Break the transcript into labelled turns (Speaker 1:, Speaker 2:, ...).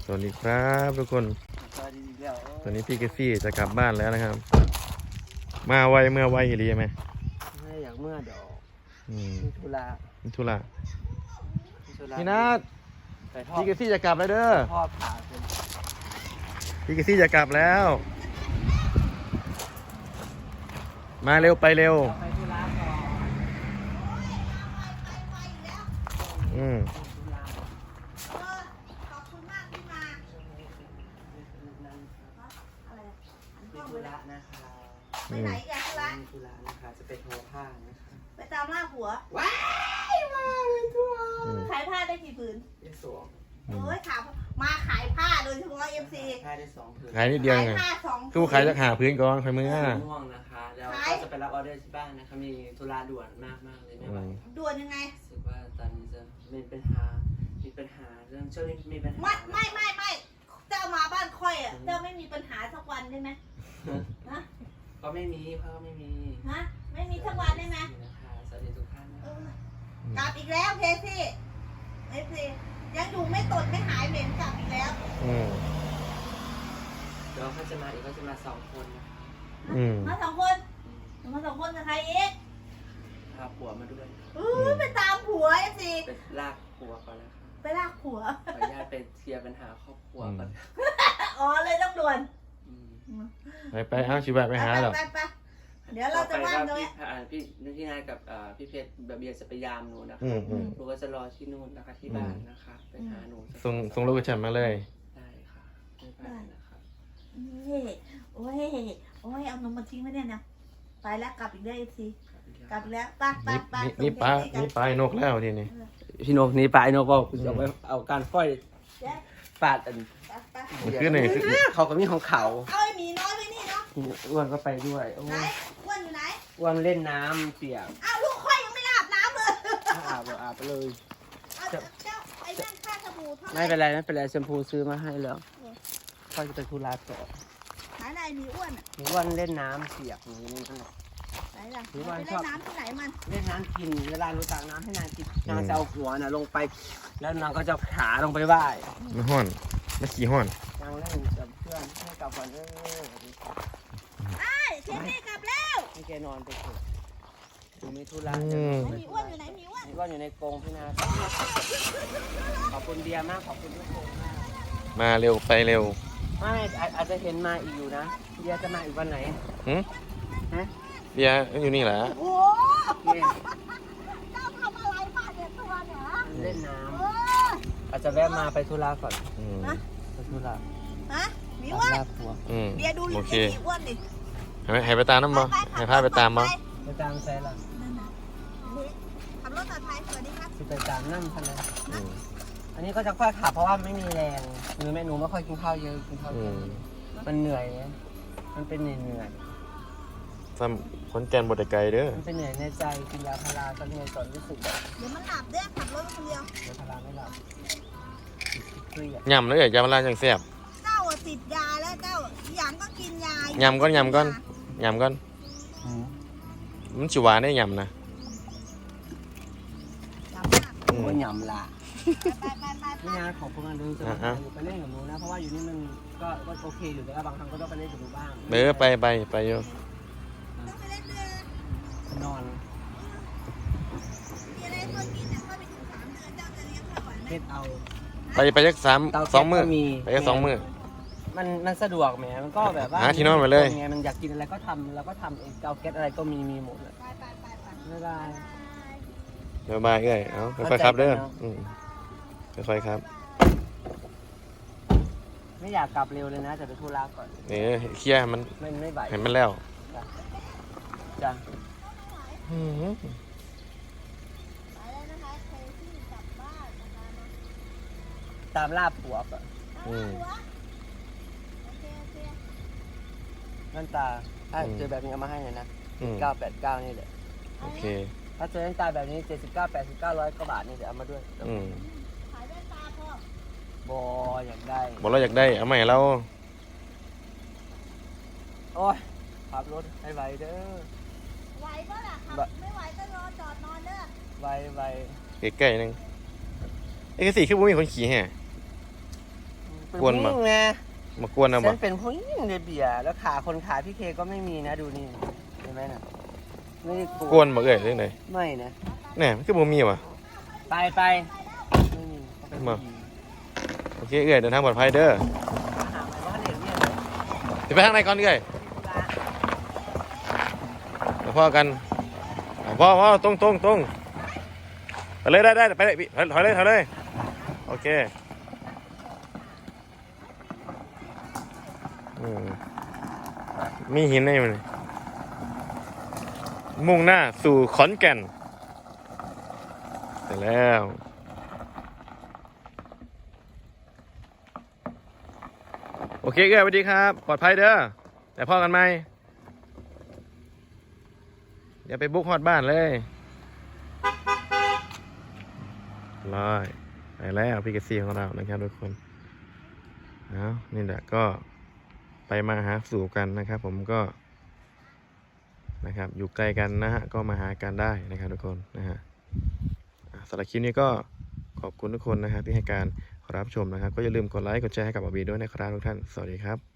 Speaker 1: สวัสดีครับทุกคนตอนนี้พี่เกซี่จะกลับบ้านแล้วนะครับมาไวเมื่อไวอีหลีไหม
Speaker 2: ไม่อยากเมื่อดอก
Speaker 1: มี
Speaker 2: ธุระ
Speaker 1: พี่นัทพี่เกซี่จะกลับแล้วเด้อ
Speaker 2: พ่อผ่าเป็น
Speaker 1: พี่เกซี่จะกลับแล้วมาเร็วไปเร็ว
Speaker 2: ไปธุระก่อน
Speaker 3: ขอบคุณมากที่มาอะไร
Speaker 2: ธุระนะคะ
Speaker 3: ไปไหนกัน
Speaker 2: ธุระนะคะจะไปทอผ้านะคะ
Speaker 3: ไปตามล่าผัว
Speaker 2: ว้ายมาเป็นทัวร์
Speaker 3: ขายผ้าได้กี่ผืน
Speaker 2: ได้สอง
Speaker 3: โอ้ยขายมาขายผ้าโดยเฉพาะFC
Speaker 2: ผ้าได้2 ผืน
Speaker 1: ขายนิดเดียวไงตู้ขายจะหาพื้นก่อนค่อยมือ
Speaker 2: ม่วงนะคะแล้วก็จะไปรับออเดอร์ที่บ้านนะคะมีธุระด่วนมากเลยไม่ไหว
Speaker 3: ด่วนยังไง
Speaker 2: รู้สึกว่าตอนนี้จะมีปัญหาเรื่องช่วงนี้มีปัญหา
Speaker 3: ไม่เจ้ามาบ้านค่อยอ่ะเจ้าไม่มีปัญหาสักวันได้ไหมฮะ
Speaker 2: ก็ไม่มีเพราะไม่มี
Speaker 3: ฮะไม่มีสักวันได้ไหม
Speaker 2: นะคะสวัสดีทุกท่าน
Speaker 3: กลับอีกแล้วเคซี่ยังอยู่ไม่ตดไม่หายเหม็นกลับอีกแล้ว
Speaker 2: เดี๋ยวเขาจะมาอีกเขาจะมา2 คนนะ
Speaker 3: มา2 คนกับใครอีก
Speaker 2: พาผัวมาด้วย
Speaker 3: ไปตามผัวสิ
Speaker 2: ไปลากผัวก่อนนะคะ
Speaker 3: ไปลากผัว
Speaker 2: ขออนุญาตไปเคลียร์ปัญหาครอบครัวก่อน
Speaker 3: อ๋อเลยต้องด่วน
Speaker 1: ไปเอาชิบะไปหาหรอ
Speaker 3: เดี๋ยวเราจะว่างตรงนี้
Speaker 2: พี่นายกับพี่เพชรเบียร์จะไปยามหนูนะคะหนูก็จะรอที่นู่นนะคะที่บ้านนะคะไปหาหนู
Speaker 1: ส่งลูกกระชับมาเลย
Speaker 2: ได้ค่ะได้นะคะ
Speaker 3: โอ้ยเอานมมาทิ้งไว้เนี่ยนะไปแล้วกลับอีกได้สิกลับแล้วไป
Speaker 1: นี่ปลานกแล้วทีนี้
Speaker 2: พี่นกนี่ปลานกบอกจะเอาการฝ้อยปาด
Speaker 1: มันขึ้นเลย
Speaker 2: เขาก็มีของเขา
Speaker 3: เอาไอ้หมีน้อยไปนี่เนาะ
Speaker 2: อ้วนก็ไปด้วย
Speaker 3: ไหนอ้วนอยู่ไหน
Speaker 2: อ้วนเล่นน้ำเปียก
Speaker 3: อ้าวลูกค่อยยังไม่อาบน้ำเลย
Speaker 2: อาบไปเลย
Speaker 3: เจ้าไอ้นั่นค่าสบู่เท่าไหร่
Speaker 2: ไม่เป็นไรแชมพูซื้อมาให้แล้วค่อยจะไปธุระต่อ
Speaker 3: ไหนไอ้หมีอ้วน
Speaker 2: อ้วนเล่นน้ำเปียกอย่างนี้นั่นแหละ
Speaker 3: ไหนล่ะไปเล่นน้ำที่ไหนมัน
Speaker 2: เล่นน้ำกินเวลาหนูตักน้ำให้นางกินนางจะเอาหัวน่ะลงไปแล้วนางก็จะขาลงไปไหว้
Speaker 1: ไม่ห้อนไม่ขี้ห้อน
Speaker 2: นางเล่นกับเพื่อนให้กลับก่อน
Speaker 3: เคซี่กลับแล้ว
Speaker 2: ให้แกนอนไปเถอะดูมีธุระ
Speaker 3: มีอ้วนอยู่ไหนมีอ้
Speaker 2: วนอยู่ในกรงพี่นาขอบคุณเบียร์มากขอบคุณทุกคนมาก
Speaker 1: มาเร็วไปเร็ว
Speaker 2: ไม่อาจจะเห็นมาอีกอยู่นะเบียร์จะมาอีกวันไหน
Speaker 1: เบียร์อยู่นี่แหละ
Speaker 3: โอ้เจ้าทำอะไรมาเด็กตัวเนี่ย
Speaker 2: เล่นน้ำอาจจะแวะมาไปธุระก่อนไปธุระ
Speaker 3: มีอ้วนเบียร์ดูลิ้นที่อ้วนดิ
Speaker 1: ให้ไปตามน้ำบ่ให้พาไปตามบ่
Speaker 2: ไปตามใช่ละ
Speaker 3: ขับรถต่อไทยสวัสดีครับ
Speaker 2: ไปตามนั่งทันเลยอันนี้ก็จะค่อยขับเพราะว่าไม่มีแรงหนูไม่ค่อยกินข้าวเยอะมันเหนื่อยมันเป็นเหนื่อย
Speaker 1: คนแก่นบดไกลเด้อ
Speaker 2: มันเป็นเหนื่อยในใจกินยาพาราตอนเหนื่อยก่อนรู้สึกแบบ
Speaker 3: เดี๋ยวมันหลับเด้อขับรถคนเดียวย
Speaker 2: าพาราไม่หลับ
Speaker 1: ยำเลยยาพาราจังแซ่บ
Speaker 3: เจ้าติดยาแล้วเจ้าอย่างก็กินย
Speaker 1: ายำก้อนมันชิวาได้ยำนะ
Speaker 2: มันยำละนี่นะของพวกนั้นดูจะไปเล่นกับหนูนะเพราะว่าอยู่นี่มันก็โอเคอยู่แต่ว่าบางครั้งก็ต้องไปเล่นกับหนูบ้าง
Speaker 1: ไปอยู่
Speaker 2: นอนเฮ็ดเอา
Speaker 1: ไปยัก2 มื้อไปยัก2 มื้อ
Speaker 2: มันสะดวกแหมมันก็แบบว่า
Speaker 1: หาที่นอนไปเลย
Speaker 2: ไงมันอยากกินอะไรก็ทำแล้วก็ทำเองเตาแก๊สอะไรก็มีหมดเลยบ๊ายบาย
Speaker 1: เอ้ยเอาค่อยๆครับเด้อค่อยๆครับ
Speaker 2: ไม่อยากกลับเร็วเลยนะจะไปธุระก่อน
Speaker 1: เคลียร์มัน
Speaker 2: ไม่ไหว
Speaker 1: เห็นมันแล้ว
Speaker 2: จ้ะตามล่าผัวป่ะนั่นตาถ้าเจอแบบนี้เอามาให้เลยนะ989นี่แหละ
Speaker 1: โอเค
Speaker 2: ถ้าเจอนั่นตาแบบนี้79 89 100 กว่าบาทนี่เดี๋ยวเอามาด้วย
Speaker 3: ขายแว่นตาพ่
Speaker 2: อบอยากได้
Speaker 1: เราอยากได้เอาใหม่เรา
Speaker 2: โอ้ยขับรถให้ไหวเด้อ
Speaker 3: ไหวก็ล่ะครับไม่ไหวก็รอจอดนอนเด้อ
Speaker 2: ไหว
Speaker 1: ใกล้ๆนึงไอ้กระสีคือบุ้มีคนขี่แห่
Speaker 2: กเป็นผู้หญิงไง
Speaker 1: มากวนเอาบ่
Speaker 2: ฉันเป็นผู้หญิงในเบียร์แล้วขาคนขาพี่เคก็ไม่มีนะดูนี่เห็นไหมน่ะไม่ได้
Speaker 1: กวนบ่เอ้ยเรื่องไหน
Speaker 2: ไม่นะ
Speaker 1: แน่มันคือบ่มีว่ะ
Speaker 2: ไปไม่มีเขาเป็นผู้หญิง
Speaker 1: โอเคเอ้ยเดินทางปลอดภัยเด้อ
Speaker 2: หาไหมว่าเด็กเนี่ยเลย
Speaker 1: เดี๋ยวไปทางไหนก่อนเอ้ยเดี๋ยวพ่อกันพ่อตรงไปเลยได้ไปเลยพี่ถอยเลยโอเคมีหินในมันมุ่งหน้าสู่ขอนแก่นเสร็จแล้วโอเคเอ้ยสวัสดีครับปลอดภัยเด้อแต่พ่อกันไหมอย่าไปบุกฮอดบ้านเลยไปแล้วพี่เกษตรของเรานะครับทุกคนนี่แหละก็ไปมาหาสู่กันนะครับผมก็นะครับอยู่ไกลกันนะฮะก็มาหากันได้นะครับทุกคนนะฮะสำหรับคลิปนี้ก็ขอบคุณทุกคนนะครับที่ให้การรับชมนะครับก็อย่าลืมกดไลค์กดแชร์ให้กับบอบบี้ด้วยนะครับทุกท่านสวัสดีครับ